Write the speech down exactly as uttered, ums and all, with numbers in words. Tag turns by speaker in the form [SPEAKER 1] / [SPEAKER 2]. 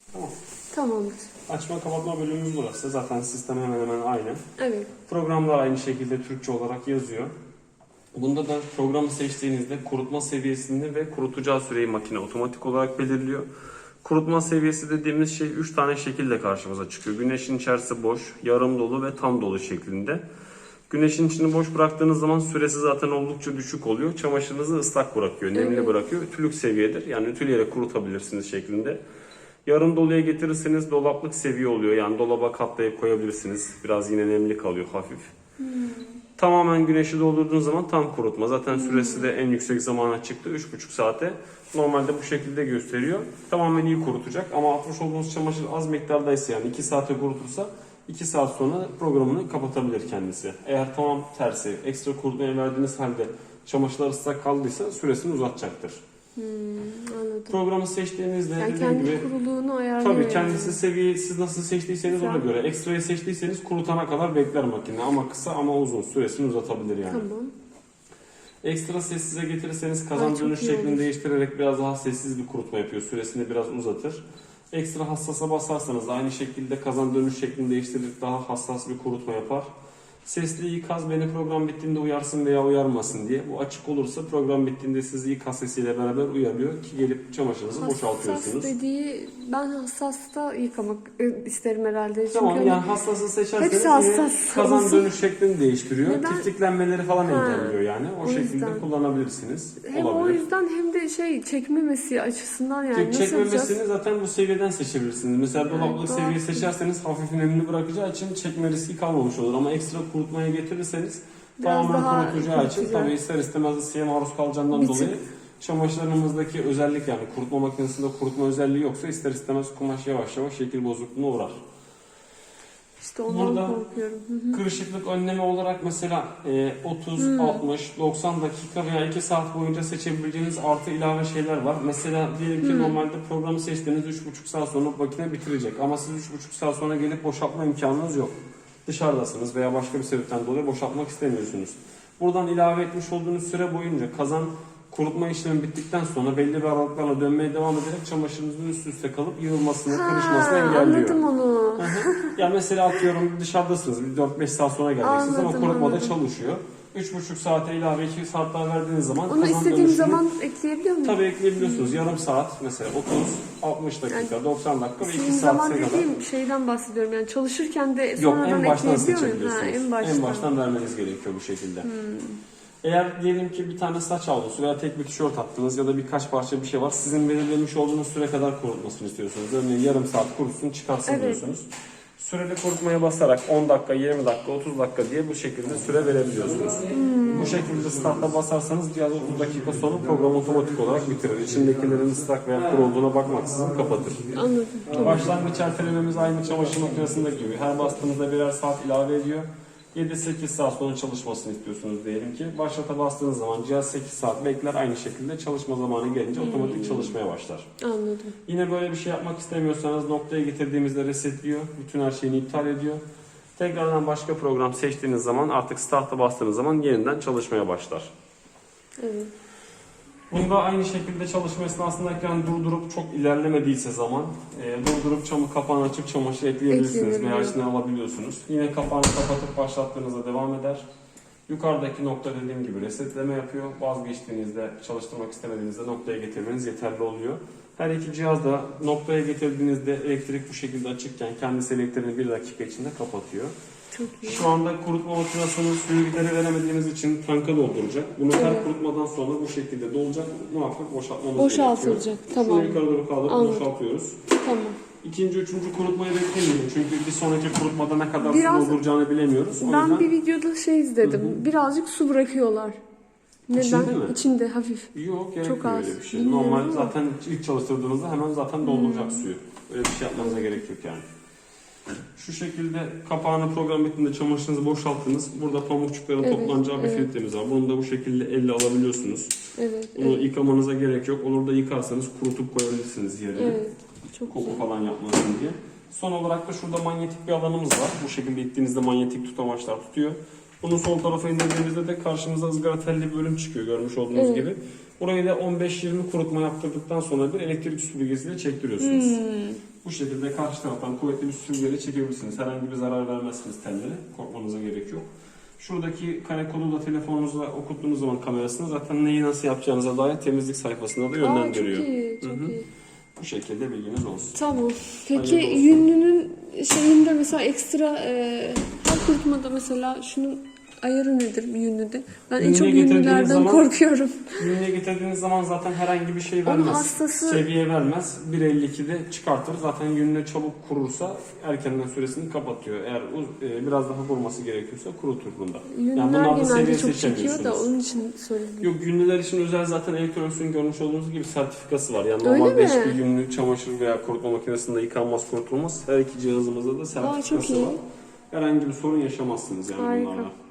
[SPEAKER 1] Tamam.
[SPEAKER 2] Tamamdır.
[SPEAKER 1] Açma kapatma bölümümüz burası. Zaten sistem hemen hemen aynı.
[SPEAKER 2] Evet.
[SPEAKER 1] Programlar aynı şekilde Türkçe olarak yazıyor. Bunda da programı seçtiğinizde kurutma seviyesini ve kurutacağı süreyi makine otomatik olarak belirliyor. Kurutma seviyesi dediğimiz şey üç tane şekilde karşımıza çıkıyor. Güneşin içerisi boş, yarım dolu ve tam dolu şeklinde. Güneşin içini boş bıraktığınız zaman süresi zaten oldukça düşük oluyor. Çamaşırınızı ıslak bırakıyor, nemli
[SPEAKER 2] Evet.
[SPEAKER 1] bırakıyor. Ütülük seviyedir. Yani ütüleyerek kurutabilirsiniz şeklinde. Yarım doluya getirirseniz dolaplık seviye oluyor. Yani dolaba katlayıp koyabilirsiniz. Biraz yine nemli kalıyor hafif.
[SPEAKER 2] Hmm.
[SPEAKER 1] Tamamen güneşi doldurduğunuz zaman tam kurutma. Zaten süresi de en yüksek zamana çıktı. üç buçuk saate. Normalde bu şekilde gösteriyor. Tamamen iyi kurutacak. Ama atmış olduğunuz çamaşır az miktardaysa, yani iki saate kurutursa iki saat sonra programını kapatabilir kendisi. Eğer tamam tersi, ekstra kurutmaya verdiğiniz halde çamaşırlar ıslak kaldıysa süresini uzatacaktır.
[SPEAKER 2] Hmm, anladım.
[SPEAKER 1] Programı seçtiğinizde
[SPEAKER 2] Yani
[SPEAKER 1] dediğim
[SPEAKER 2] kendi
[SPEAKER 1] gibi
[SPEAKER 2] kuruluğunu ayarlıyor.
[SPEAKER 1] tabii kendisi seviyeyi siz nasıl seçtiyseniz ona
[SPEAKER 2] Güzel.
[SPEAKER 1] göre. Ekstrayı seçtiyseniz kurutana kadar bekler makine, ama kısa ama uzun süresini uzatabilir yani.
[SPEAKER 2] Tamam.
[SPEAKER 1] Ekstra sessize getirirseniz kazan
[SPEAKER 2] Ay, çok
[SPEAKER 1] dönüş
[SPEAKER 2] iyi
[SPEAKER 1] şeklini
[SPEAKER 2] olur.
[SPEAKER 1] değiştirerek biraz daha sessiz bir kurutma yapıyor. Süresini biraz uzatır. Ekstra hassasa basarsanız aynı şekilde kazan dönüş şeklini değiştirerek daha hassas bir kurutma yapar. Sesli ikaz beni program bittiğinde uyarsın veya uyarmasın diye. Bu açık olursa program bittiğinde sizi ikaz sesiyle beraber uyarıyor ki gelip çamaşırınızı boşaltıyorsunuz.
[SPEAKER 2] Hassas dediği, ben hassasta yıkamak isterim herhalde. Çünkü
[SPEAKER 1] Tamam,
[SPEAKER 2] hani
[SPEAKER 1] yani hassası seçerseniz
[SPEAKER 2] hepsi
[SPEAKER 1] yine
[SPEAKER 2] hassas
[SPEAKER 1] kazan
[SPEAKER 2] olsun.
[SPEAKER 1] dönüş şeklini değiştiriyor.
[SPEAKER 2] Neden?
[SPEAKER 1] Tiftiklenmeleri falan
[SPEAKER 2] Ha,
[SPEAKER 1] engelliyor yani. O,
[SPEAKER 2] o
[SPEAKER 1] şekilde
[SPEAKER 2] yüzden.
[SPEAKER 1] kullanabilirsiniz.
[SPEAKER 2] Hem
[SPEAKER 1] Olabilir.
[SPEAKER 2] o yüzden hem de şey çekmemesi açısından yani
[SPEAKER 1] Çek,
[SPEAKER 2] nasıl
[SPEAKER 1] çekmemesini
[SPEAKER 2] yapacağız?
[SPEAKER 1] zaten bu seviyeden seçebilirsiniz. Mesela
[SPEAKER 2] Yani
[SPEAKER 1] dolaplık
[SPEAKER 2] doğal.
[SPEAKER 1] seviye seçerseniz hafif nemli bırakacağı için çekme riski kalmamış olur. Ama ekstra kurutmaya getirirseniz
[SPEAKER 2] Biraz
[SPEAKER 1] tamamen
[SPEAKER 2] daha
[SPEAKER 1] kurutacağı için
[SPEAKER 2] kurutacak.
[SPEAKER 1] tabii ister istemez ısıya maruz kalacağından
[SPEAKER 2] Bir
[SPEAKER 1] dolayı
[SPEAKER 2] tık.
[SPEAKER 1] çamaşırlarımızdaki özellik, yani kurutma makinesinde kurutma özelliği yoksa ister istemez kumaş yavaş yavaş şekil bozukluğuna uğrar.
[SPEAKER 2] İşte ondan
[SPEAKER 1] Burada
[SPEAKER 2] korkuyorum. Hı hı.
[SPEAKER 1] kırışıklık önlemi olarak mesela e, otuz, altmış, doksan dakika veya iki saat boyunca seçebileceğiniz artı ilave şeyler var. Mesela diyelim ki
[SPEAKER 2] Hmm.
[SPEAKER 1] normalde programı seçtiğiniz üç buçuk saat sonra makine bitirecek. Ama siz üç buçuk saat sonra gelip boşaltma imkanınız yok. Dışarıdasınız veya başka bir sebepten dolayı boşaltmak istemiyorsunuz. Buradan ilave etmiş olduğunuz süre boyunca kazan kurutma işlemi bittikten sonra belli bir aralıklarla dönmeye devam ederek çamaşırınızın üst üste kalıp yığılmasını, kırışmasını engelliyor.
[SPEAKER 2] Anladım onu.
[SPEAKER 1] Hı hı. Ya mesela atıyorum dışarıdasınız, bir dört beş saat sonra geleceksiniz ama
[SPEAKER 2] Anladım,
[SPEAKER 1] kurutmada
[SPEAKER 2] anladım.
[SPEAKER 1] çalışıyor. üç buçuk saate ilave iki saat daha verdiğiniz zaman
[SPEAKER 2] Onu
[SPEAKER 1] kazan
[SPEAKER 2] istediğim
[SPEAKER 1] dönüşünü
[SPEAKER 2] zaman ekleyebiliyor muyum?
[SPEAKER 1] tabii ekleyebiliyorsunuz. Yarım saat mesela otuz, altmış dakika,
[SPEAKER 2] Yani
[SPEAKER 1] doksan dakika ve
[SPEAKER 2] İstediğim
[SPEAKER 1] iki
[SPEAKER 2] zaman
[SPEAKER 1] saate kadar.
[SPEAKER 2] dediğim şeyden bahsediyorum. Yani çalışırken de
[SPEAKER 1] Yok,
[SPEAKER 2] sonradan
[SPEAKER 1] en baştan
[SPEAKER 2] ekleyebiliyor muyum? Ha,
[SPEAKER 1] seçebiliyorsunuz.
[SPEAKER 2] en baştan.
[SPEAKER 1] En baştan vermeniz gerekiyor bu şekilde.
[SPEAKER 2] Hmm.
[SPEAKER 1] Eğer diyelim ki bir tane saç havlusu veya tek bir tişört attınız ya da birkaç parça bir şey var. Sizin belirlemiş olduğunuz süre kadar kurutmasını istiyorsunuz. Örneğin yarım saat kurutsun, çıkarsın
[SPEAKER 2] Evet.
[SPEAKER 1] diyorsunuz. Süreli kurutmaya basarak on dakika, yirmi dakika, otuz dakika diye bu şekilde süre verebiliyorsunuz.
[SPEAKER 2] Hmm.
[SPEAKER 1] Bu şekilde startta basarsanız cihaz otuz dakika sonra program otomatik olarak bitirir. İçindekilerin ıslak veya kuru olduğuna bakmaksızın kapatır.
[SPEAKER 2] Anladım. Tamam.
[SPEAKER 1] Başlangıç ertelememiz aynı çamaşır makinesinde gibi. Her bastığınızda birer saat ilave ediyor. yedi sekiz saat sonra çalışmasını istiyorsunuz diyelim ki. Başlata bastığınız zaman cihaz sekiz saat bekler. Aynı şekilde çalışma zamanı gelince otomatik çalışmaya başlar.
[SPEAKER 2] Anladım.
[SPEAKER 1] Yine böyle bir şey yapmak istemiyorsanız noktaya getirdiğimizde resetliyor. Bütün her şeyini iptal ediyor. Tekrardan başka program seçtiğiniz zaman artık start'a bastığınız zaman yeniden çalışmaya başlar.
[SPEAKER 2] Evet.
[SPEAKER 1] Bunda aynı şekilde çalışma esnasında ekran durdurup çok ilerlemediyse zaman e, durdurup çamur kapağını açıp çamaşır ekleyebilirsiniz veya içine alabiliyorsunuz. Yine kapağını kapatıp başlattığınızda devam eder. Yukarıdaki nokta dediğim gibi resetleme yapıyor. Vazgeçtiğinizde, çalıştırmak istemediğinizde noktaya getirmeniz yeterli oluyor. Her iki cihaz da noktaya getirdiğinizde elektrik bu şekilde açıkken kendisi elektriğini bir dakika içinde kapatıyor.
[SPEAKER 2] Çok iyi.
[SPEAKER 1] Şu anda kurutma makinesinin suyu gideri veremediğimiz için tanka dolduracak. Bunu her
[SPEAKER 2] Evet.
[SPEAKER 1] kurutmadan sonra bu şekilde dolacak. Muhakkak boşaltmamız
[SPEAKER 2] Boşaltılacak,
[SPEAKER 1] gerekiyor.
[SPEAKER 2] tamam.
[SPEAKER 1] Şunu yukarı doğru kaldırıp
[SPEAKER 2] Anladım.
[SPEAKER 1] boşaltıyoruz.
[SPEAKER 2] Tamam.
[SPEAKER 1] İkinci, üçüncü kurutmayı beklemeyin. Çünkü bir sonraki kurutmada ne kadar
[SPEAKER 2] Biraz-
[SPEAKER 1] su dolduracağını bilemiyoruz. O
[SPEAKER 2] Ben
[SPEAKER 1] yüzden
[SPEAKER 2] bir videoda şey izledim. Birazcık su bırakıyorlar. Neden?
[SPEAKER 1] İçinde mi?
[SPEAKER 2] İçinde hafif.
[SPEAKER 1] yok,
[SPEAKER 2] Çok
[SPEAKER 1] gerekmiyor
[SPEAKER 2] az.
[SPEAKER 1] öyle bir şey.
[SPEAKER 2] Bilmiyorum
[SPEAKER 1] Normal
[SPEAKER 2] ama.
[SPEAKER 1] zaten ilk çalıştırdığınızda hemen zaten dolduracak suyu. Öyle bir şey yapmanıza gerek yok yani. Şu şekilde kapağını program bittiğinde çamaşırınızı boşalttınız. Burada pamukçukların
[SPEAKER 2] Evet,
[SPEAKER 1] toplanacağı bir
[SPEAKER 2] evet.
[SPEAKER 1] filtremiz var. Bunu da bu şekilde elle alabiliyorsunuz.
[SPEAKER 2] Evet.
[SPEAKER 1] Bunu
[SPEAKER 2] Evet.
[SPEAKER 1] yıkamanıza gerek yok. Olur da yıkarsanız kurutup koyabilirsiniz yerine.
[SPEAKER 2] Evet. Çok
[SPEAKER 1] Koku
[SPEAKER 2] güzel.
[SPEAKER 1] falan yapmasın diye. Son olarak da şurada manyetik bir alanımız var. Bu şekilde ittiğinizde manyetik tutamaçlar tutuyor. Bunu sol tarafa indirdiğinizde de karşımıza ızgara telli bir bölüm çıkıyor görmüş olduğunuz
[SPEAKER 2] Evet.
[SPEAKER 1] gibi. Burayı da on beş yirmi kurutma yaptırdıktan sonra bir elektrik süpürgesiyle çektiriyorsunuz.
[SPEAKER 2] Hmm.
[SPEAKER 1] Bu şekilde karşı taraftan kuvvetli bir süngeri çekebilirsiniz. Herhangi bir zarar vermezsiniz tellere. Korkmanıza gerek yok. Şuradaki kare kodu da telefonunuzla okuttuğunuz zaman kamerasını zaten neyi nasıl yapacağınıza dair temizlik sayfasında da yönlendiriyor.
[SPEAKER 2] Aa, çok iyi, çok
[SPEAKER 1] Hı hı.
[SPEAKER 2] iyi.
[SPEAKER 1] Bu şekilde bilginiz olsun.
[SPEAKER 2] Tamam. Peki
[SPEAKER 1] Hayırlı olsun.
[SPEAKER 2] yünlünün şeyinde mesela ekstra e, her kurutmada mesela şunun ayarı nedir bir yünlüde? Ben en
[SPEAKER 1] Yünlüğe
[SPEAKER 2] çok
[SPEAKER 1] getirdiğiniz
[SPEAKER 2] yünlülerden
[SPEAKER 1] zaman-
[SPEAKER 2] korkuyorum.
[SPEAKER 1] Ürüne getirdiğiniz zaman zaten herhangi bir şey
[SPEAKER 2] Onun
[SPEAKER 1] vermez.
[SPEAKER 2] hastası-
[SPEAKER 1] Seviye vermez. bir elli ikide çıkartır. Zaten yününe çabuk kurursa erkenden süresini kapatıyor. Eğer uz- e, biraz daha kurması gerekiyorsa kurutur bunda.
[SPEAKER 2] Yünler
[SPEAKER 1] bunlarda
[SPEAKER 2] genelde
[SPEAKER 1] seviye
[SPEAKER 2] çok çekiyor da
[SPEAKER 1] seçemiyorsunuz.
[SPEAKER 2] onun için söyledim.
[SPEAKER 1] Yok, yünlüler için özel zaten elektroniksin görmüş olduğunuz gibi sertifikası var. Yani
[SPEAKER 2] Öyle
[SPEAKER 1] normalde
[SPEAKER 2] mi?
[SPEAKER 1] hiçbir yünlü çamaşır veya kurutma makinesinde yıkanmaz, kurutulmaz. Her iki cihazımızda da
[SPEAKER 2] Aa, çok
[SPEAKER 1] sertifikası
[SPEAKER 2] iyi.
[SPEAKER 1] var. Herhangi bir sorun yaşamazsınız yani
[SPEAKER 2] Harika.
[SPEAKER 1] bunlarla.